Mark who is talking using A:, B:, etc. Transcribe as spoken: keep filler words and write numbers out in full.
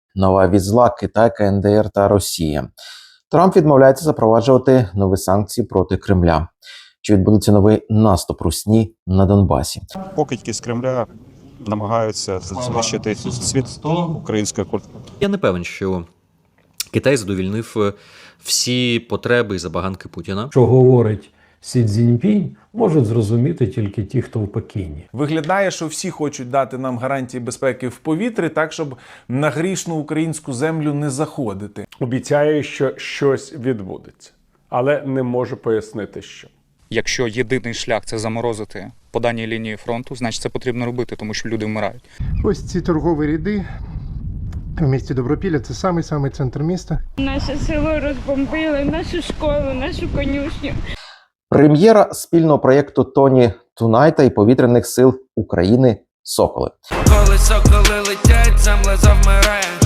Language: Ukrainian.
A: Нова від зла Китай, КНДР та Росія. Трамп відмовляється запроваджувати нові санкції проти Кремля. Чи відбудеться новий наступ Русні на Донбасі?
B: Покидьки з Кремля намагаються знищити світ української культури.
C: Я не певен, що Китай задовільнив всі потреби і забаганки Путіна.
D: Що говорить Сі Цзіньпінь, можуть зрозуміти тільки ті, хто в Пекіні.
E: Виглядає, що всі хочуть дати нам гарантії безпеки в повітрі, так, щоб на грішну українську землю не заходити.
F: Обіцяє, що щось відбудеться, але не можу пояснити, що.
G: Якщо єдиний шлях – це заморозити по даній лінії фронту, значить це потрібно робити, тому що люди вмирають.
H: Ось ці торгові ряди в місті Добропілля – це самий-самий центр міста.
I: Наше село розбомбили, нашу школу, нашу конюшню.
A: Прем'єра спільного проєкту Тоні Тунайта і повітряних сил України «Соколи».
J: Коли соколи летять, земля завмирає.